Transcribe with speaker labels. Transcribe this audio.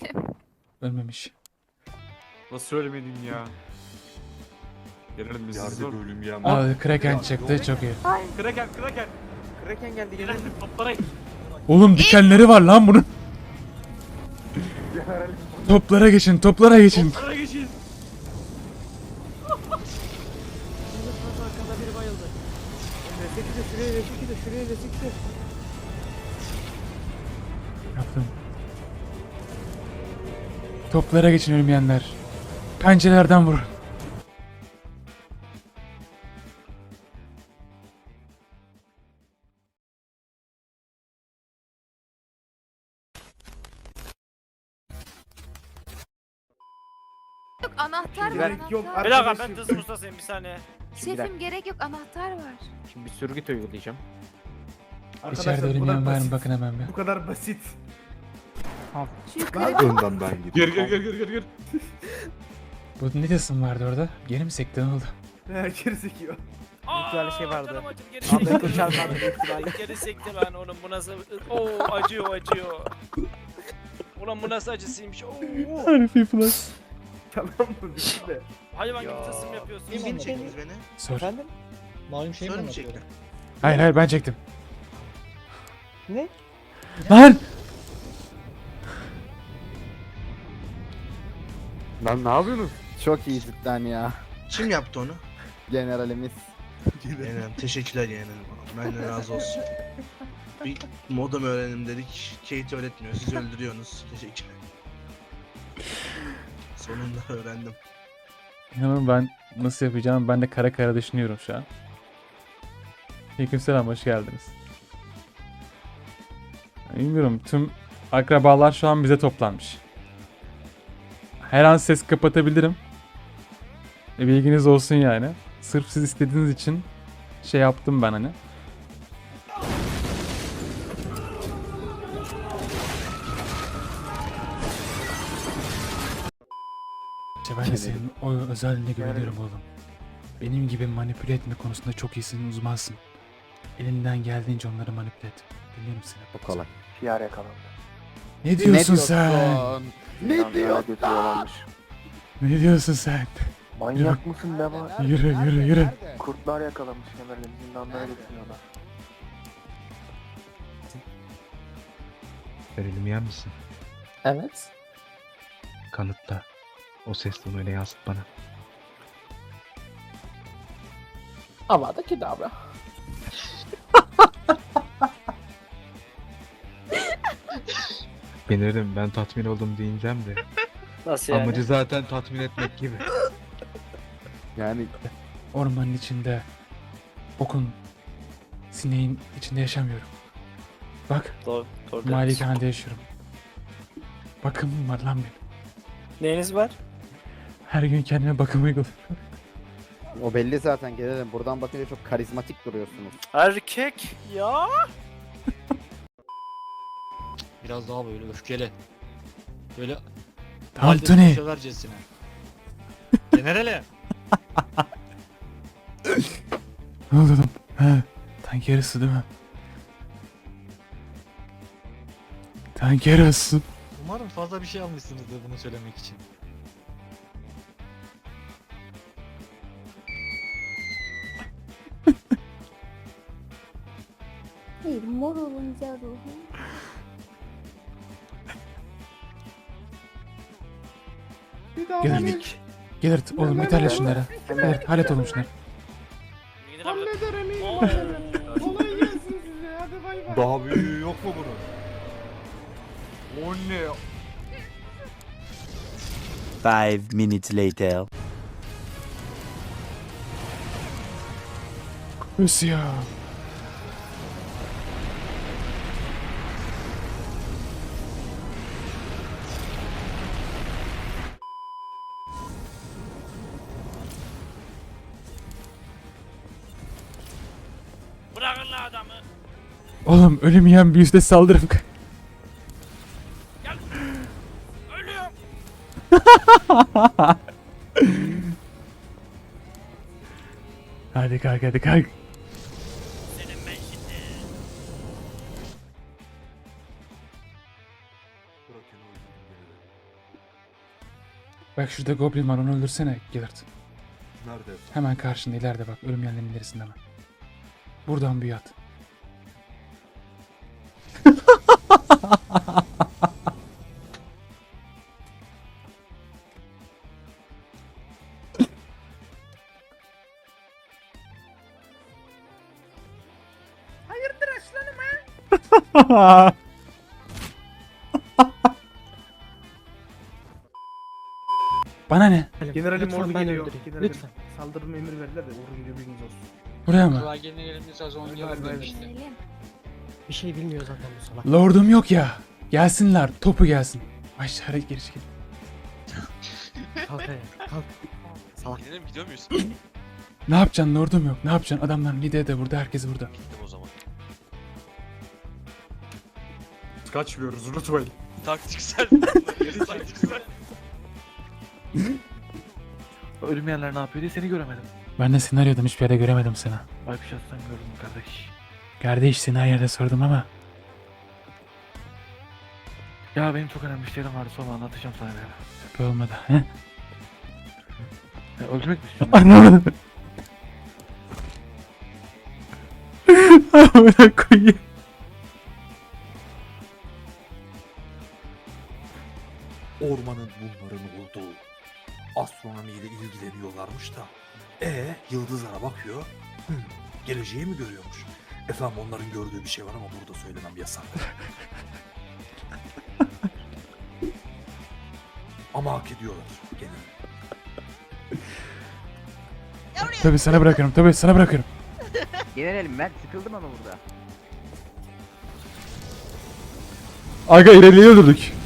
Speaker 1: Ölmedim.
Speaker 2: Ölmemiş.
Speaker 3: Nasıl ölmedin ya? Gelelim biz.
Speaker 4: Yerde bir ölüm yiyen
Speaker 2: Abi Kraken çıktı çok iyi.
Speaker 3: Kraken.
Speaker 5: Kraken geldi
Speaker 3: Gelelim
Speaker 5: gelelim.
Speaker 3: toplara.
Speaker 2: Oğlum dikenleri var lan bunun. Toplara geçin, toplara geçin.
Speaker 3: Toplara geçin.
Speaker 5: Arkada biri bayıldı. Şuraya resekide.
Speaker 2: Yaptım. Toplara geçin ölmeyenler. Pencerelerden vurun.
Speaker 1: Yok anahtar var.
Speaker 5: Gerek yok.
Speaker 1: Anahtar.
Speaker 6: Bir dakika ben hızlı ustasıyım bir saniye.
Speaker 1: Şefim gerek yok anahtar var.
Speaker 5: Şimdi bir sürgüt uygulayacağım.
Speaker 2: İçeride ölmeyen var mı bakın hemen bir.
Speaker 7: Bu kadar basit.
Speaker 1: Şu yukarı
Speaker 4: Önden ben gidiyorum.
Speaker 3: Gir.
Speaker 2: Bu ne diyorsun vardı orada? Geri mi sekti ne oldu?
Speaker 7: Gerizekalı.
Speaker 5: Güzel şey vardı.
Speaker 6: Canım acım, geri
Speaker 5: Ahmet
Speaker 6: sekti.
Speaker 5: Koçar vardı büyük ihtimalle.
Speaker 6: Geri sekti lan oğlum bu nasıl... Oo acıyor. Ulan bu nasıl acısıymış. Oo.
Speaker 2: Harifi plus.
Speaker 7: Tamam mı? Bitti de.
Speaker 6: Hayvan gibi tasım yapıyorsun.
Speaker 8: Kim çektiniz beni?
Speaker 2: Sor.
Speaker 5: Efendim?
Speaker 8: Malum şey mi
Speaker 6: Sorun
Speaker 8: anlatıyor?
Speaker 2: Hayır ben çektim.
Speaker 5: Ne?
Speaker 2: Lan!
Speaker 4: Lan ne yapıyorsunuz?
Speaker 9: Çok iyi cidden ya.
Speaker 8: Kim yaptı onu?
Speaker 9: Generalimiz.
Speaker 8: Yeğenim teşekkürler yeğenim. Benden razı olsun. Bir modem öğrenim dedik. Kate öğretmiyor. Siz öldürüyorsunuz. Teşekkürler. Sonunda öğrendim.
Speaker 2: İnanın ben nasıl yapacağım ben de kara düşünüyorum şu an. Aleykümselam hoş geldiniz. Bilmiyorum tüm akrabalar şu an bize toplanmış. Her an ses kapatabilirim. Bilginiz olsun yani. Sırf siz istediğiniz için şey yaptım ben hani. İşte ben de senin o özelliğine güveniyorum oğlum. Benim gibi manipüle etme konusunda çok iyisin, uzmansın. Elinden geldiğince onları manipüle et. Dinliyorum seni.
Speaker 9: O kolay.
Speaker 5: PR yakalandı.
Speaker 2: Ne diyorsun sen?
Speaker 9: Ne diyorsun?
Speaker 2: Ne diyorsun sen?
Speaker 5: Manyak mısın be var?
Speaker 2: Yürü.
Speaker 5: Kurtlar yakalamış kemerlerini zindanlara getiriyorlar.
Speaker 10: Verelim yer misin?
Speaker 5: Evet.
Speaker 10: Kanıtla. O ses tonuyla yansıt bana.
Speaker 5: Avada Kedavra.
Speaker 10: Bilirim ben tatmin oldum diyeceğim de.
Speaker 6: Nasıl
Speaker 10: Amacı zaten tatmin etmek gibi.
Speaker 9: Yani
Speaker 2: Ormanın içinde, okun, sineğin içinde yaşamıyorum. Bak,
Speaker 6: Doğru.
Speaker 2: malikanede yaşıyorum. Bakımım var lan benim.
Speaker 6: Neyiniz var?
Speaker 2: Her gün kendime bakım uyguluyorum.
Speaker 9: o belli zaten gelelim. Buradan bakınca çok karizmatik duruyorsunuz.
Speaker 6: Erkek ya.
Speaker 8: Biraz daha böyle öfkeli. Böyle
Speaker 2: Tantuni.
Speaker 8: sövercesine. Generale.
Speaker 2: Ne oldu oğlum? He, tank yarısı değil mi? Tank yarısı.
Speaker 8: Umarım fazla bir şey almışsınızdır bunu söylemek için.
Speaker 1: Hayır mor olunca ruhum.
Speaker 2: Gelir. Gelir oğlum bir hallet şunları. Gelir hallet oğlum şunları.
Speaker 7: Hallederim iyi hallederim. Kolay gelsin size. Hadi bay bay.
Speaker 4: Daha büyüğü yok mu bunun?
Speaker 3: O ne?
Speaker 11: 5 minutes later.
Speaker 2: Ös ya.
Speaker 6: Bırakın lan adamı.
Speaker 2: Oğlum ölüm yiyen bir yüzde saldırım.
Speaker 6: Ölüyorum.
Speaker 2: Hadi kalk.
Speaker 6: Senin ben şimdi.
Speaker 4: Kraken'i öldürdüm beni.
Speaker 2: Bak şurada goblin var, onu öldürsene Gillard.
Speaker 4: Nerede?
Speaker 2: Hemen karşında ileride bak, ölüm yerlerinin ilerisinde hemen. Buradan büyü at.
Speaker 7: Hayırdır aslanım ha?
Speaker 2: Bana ne?
Speaker 7: Generalim
Speaker 5: Lütfen
Speaker 7: ordu
Speaker 5: ben
Speaker 7: geliyor.
Speaker 5: öldüreyim.
Speaker 7: Generalim.
Speaker 5: Lütfen.
Speaker 7: Saldırma emir verdiler de ordu geliyor bilginiz olsun.
Speaker 2: Buraya mı?
Speaker 1: Gelelim.
Speaker 5: Bir şey bilmiyor zaten bu salak.
Speaker 2: Lordum yok ya. Gelsinler, topu gelsin. Aşağıya geri çekil.
Speaker 5: Kalk ayağa. Kalk. Salak.
Speaker 6: Gidelim gidiyor muyuz?
Speaker 2: Ne yapacaksın lordum yok? Ne yapacaksın? Adamların lideri de burada, herkes burada.
Speaker 6: Gittim o zaman.
Speaker 3: Kaçmıyoruz unutmayın.
Speaker 6: Taktiksel. Taktiksel.
Speaker 10: Ölüm yerler ne yapıyor diye seni göremedim.
Speaker 2: Ben de senaryodan hiçbir yerde göremedim seni.
Speaker 10: Bakışattan gördüm kardeş.
Speaker 2: Kardeş seni her yerde sordum ama.
Speaker 10: Ya benim çok önemli işlerim vardı, sonra anlatacağım sana bir ara.
Speaker 2: Böyle olmadı. He?
Speaker 10: Ya, öldürmek mi istiyorsun?
Speaker 2: Anlamadım. Amına koyayım.
Speaker 4: Ormanın bunların olduğu astronomiyle ilgileniyorlarmış da. Yıldızlara bakıyor. Geleceği mi görüyormuş? Efendim onların gördüğü bir şey var ama burada söylemem yasak. Ama hak ediyorlar gene.
Speaker 2: Tabii sana bırakırım, tabii sana bırakırım.
Speaker 9: Generalim ben sıkıldım ama burada.
Speaker 2: Aga ileriye öldürdük.